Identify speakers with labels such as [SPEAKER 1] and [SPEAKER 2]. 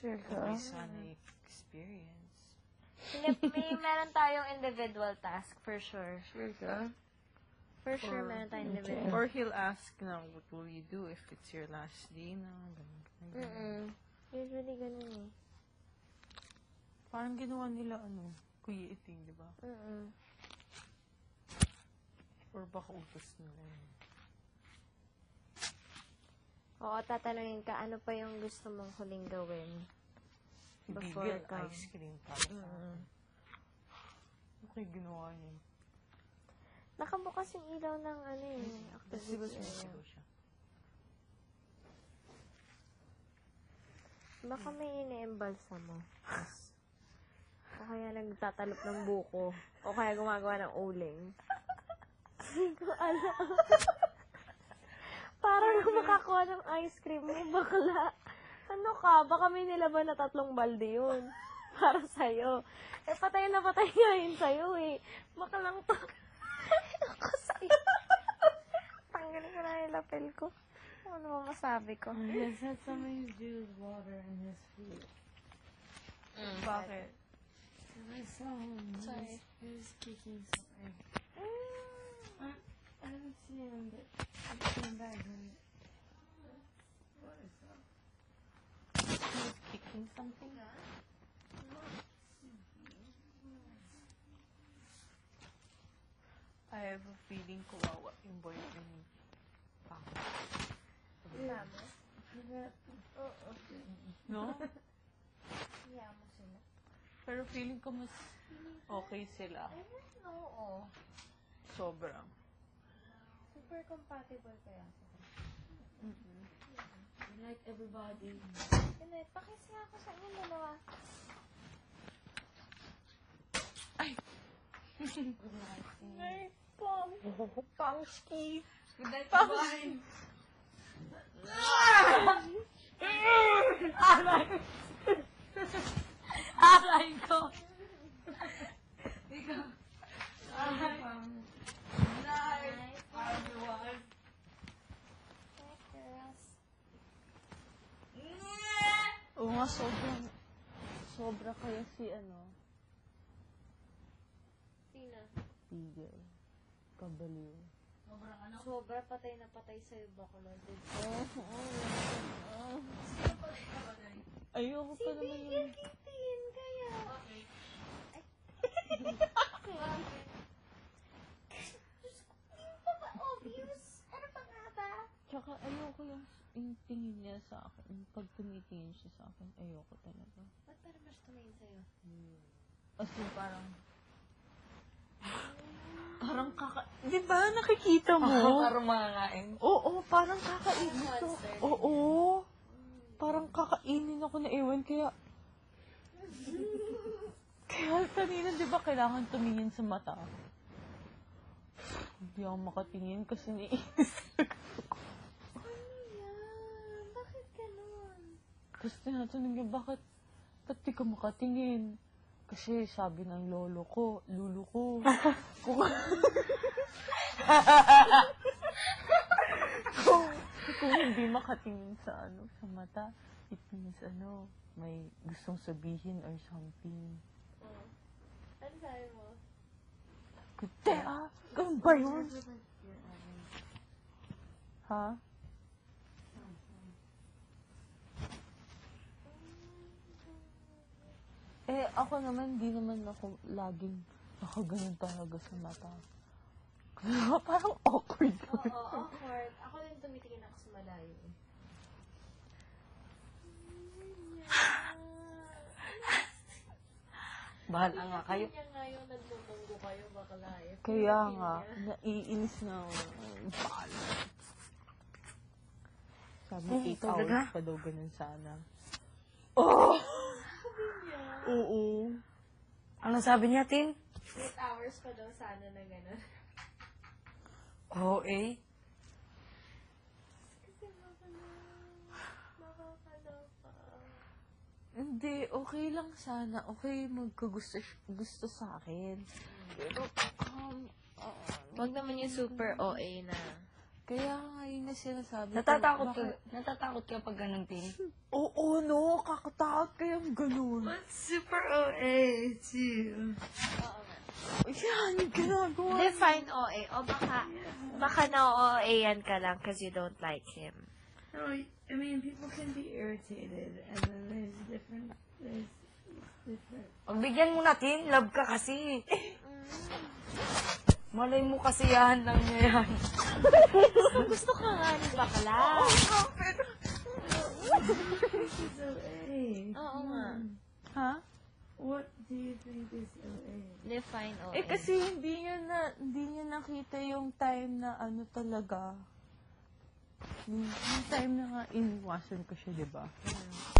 [SPEAKER 1] Sure ka?
[SPEAKER 2] May sana experience.
[SPEAKER 3] Meron tayong individual task, for sure.
[SPEAKER 1] Sure ka?
[SPEAKER 3] For sure, meron tayong individual.
[SPEAKER 2] Or he'll ask na, what will you do if it's your last day na?
[SPEAKER 3] Usually, ganun eh.
[SPEAKER 2] Parang ginawa nila, Kuya Iting, di ba? Or baka utos nila yun.
[SPEAKER 3] Oo, tatanungin ka, ano pa yung gusto mong huling gawin? Before
[SPEAKER 2] Bigel
[SPEAKER 3] ka.
[SPEAKER 2] ice cream para sa akin. Okay, ginawa niya.
[SPEAKER 3] Nakabukas yung ilaw ng
[SPEAKER 2] Sigaw
[SPEAKER 3] activity.
[SPEAKER 2] siya.
[SPEAKER 3] Baka may ine-embalsa mo. O kaya nagtatalop ng buko. O kaya gumagawa ng uling. Hindi ko alam. Parang makakuha ng ice cream mo, bakla. Ano ka? Baka may nilaban na 3 balde yun. Para sa'yo. Eh, patay na patay nga yun sa'yo eh. Baka lang to. Ako sa'yo. Tanggalin ko na yung lapel ko. Ano ba masabi ko?
[SPEAKER 1] Yes, had some of his juice, water, and his food.
[SPEAKER 2] Bakit?
[SPEAKER 1] And I saw him.
[SPEAKER 3] Sorry.
[SPEAKER 1] He was kicking something. I haven't seen him, but he came back and... What is that?
[SPEAKER 2] He's kicking something? I have a feeling kawawa yung boyfriend ni Pang. No?
[SPEAKER 3] Yamo sila.
[SPEAKER 2] Pero feeling ko mas okay sila.
[SPEAKER 3] Oo.
[SPEAKER 2] Sobrang.
[SPEAKER 3] Super compatible kaya sila.
[SPEAKER 1] Like everybody.
[SPEAKER 3] Pinet, pakis nga ako sa inyo dalawa. Ay, Pong. Pongski.
[SPEAKER 1] Good night, bye. Alay ko. Ikaw. Alay. Night, everyone.
[SPEAKER 3] Hi, girls.
[SPEAKER 2] Oo nga, sobra kaya si
[SPEAKER 3] Sina?
[SPEAKER 2] Tigil. Kabaliw.
[SPEAKER 3] Sobra patay na patay sa'yo, bakla.
[SPEAKER 2] Ayoko pa naman
[SPEAKER 3] Bigil kitin, kaya.
[SPEAKER 1] Okay.
[SPEAKER 3] Obvious. Ano pa nga ba?
[SPEAKER 2] Tsaka ayoko yung tingin niya sa akin. Yung pag tumitingin siya sa akin, ayoko talaga.
[SPEAKER 3] Ba't parang mas tumingin sa'yo?
[SPEAKER 2] As in, parang di ba nakikita mo?
[SPEAKER 1] Parang mangangain.
[SPEAKER 2] Oo, parang kakainin ko. Oo. Parang kakainin ako na ewan, kaya kanina, di ba, kailangan tumingin sa mata? Hindi ako makatingin kasi naiinis ako.
[SPEAKER 3] Ano yan? Bakit ganun?
[SPEAKER 2] Tapos tinatanong niya, ba't di ka makatingin? Kasi sabi ng lolo ko, kung hindi makatingin sa sa mata, it means may gustong sabihin or something.
[SPEAKER 3] Ano sabi mo?
[SPEAKER 2] Kutte, ganun ba yun? Ha? Eh, ako naman, di naman ako laging nakaganon talaga sa mata. Parang awkward.
[SPEAKER 3] Oo, awkward. Ako din tumitingin ako sa malayo.
[SPEAKER 1] Bahala nga kayo.
[SPEAKER 3] Kanya nga yung nagbubunggo kayo, bakla eh.
[SPEAKER 2] Kaya nga, naiinis na ako. Sabi, 8 hours pa daw ganun sana. Oh! Oo.
[SPEAKER 1] Ano sabi niya, Tin?
[SPEAKER 3] 8 hours pa daw sana na gano'n.
[SPEAKER 1] Oo, eh.
[SPEAKER 3] Kasi makakaloka.
[SPEAKER 2] Hindi, okay lang sana. Okay, gusto sa akin. Pero,
[SPEAKER 3] Wag naman yung super OA na.
[SPEAKER 2] Kaya nga yun na sinasabi ko.
[SPEAKER 1] Natatakot ka pag ganun, Tin?
[SPEAKER 2] Oo, no. Kakatakot kayang ganun.
[SPEAKER 1] Super OA, too.
[SPEAKER 2] Yan, ginagawa.
[SPEAKER 3] Define OA. O baka na-OA-yan ka lang because you don't like him.
[SPEAKER 1] No, I mean, people can be irritated, and then there's different.
[SPEAKER 4] Pagbigyan mo natin, love ka kasi. Malay mo kasi yan lang niya yan.
[SPEAKER 3] Gusto ka nga ni bakla.
[SPEAKER 1] It's OA.
[SPEAKER 3] Oo nga.
[SPEAKER 2] Ha?
[SPEAKER 1] What do you think is OA?
[SPEAKER 3] Define OA.
[SPEAKER 2] Eh kasi hindi niya nakita yung time na ano talaga. Yung time na nga iniwasan ko siya, di ba?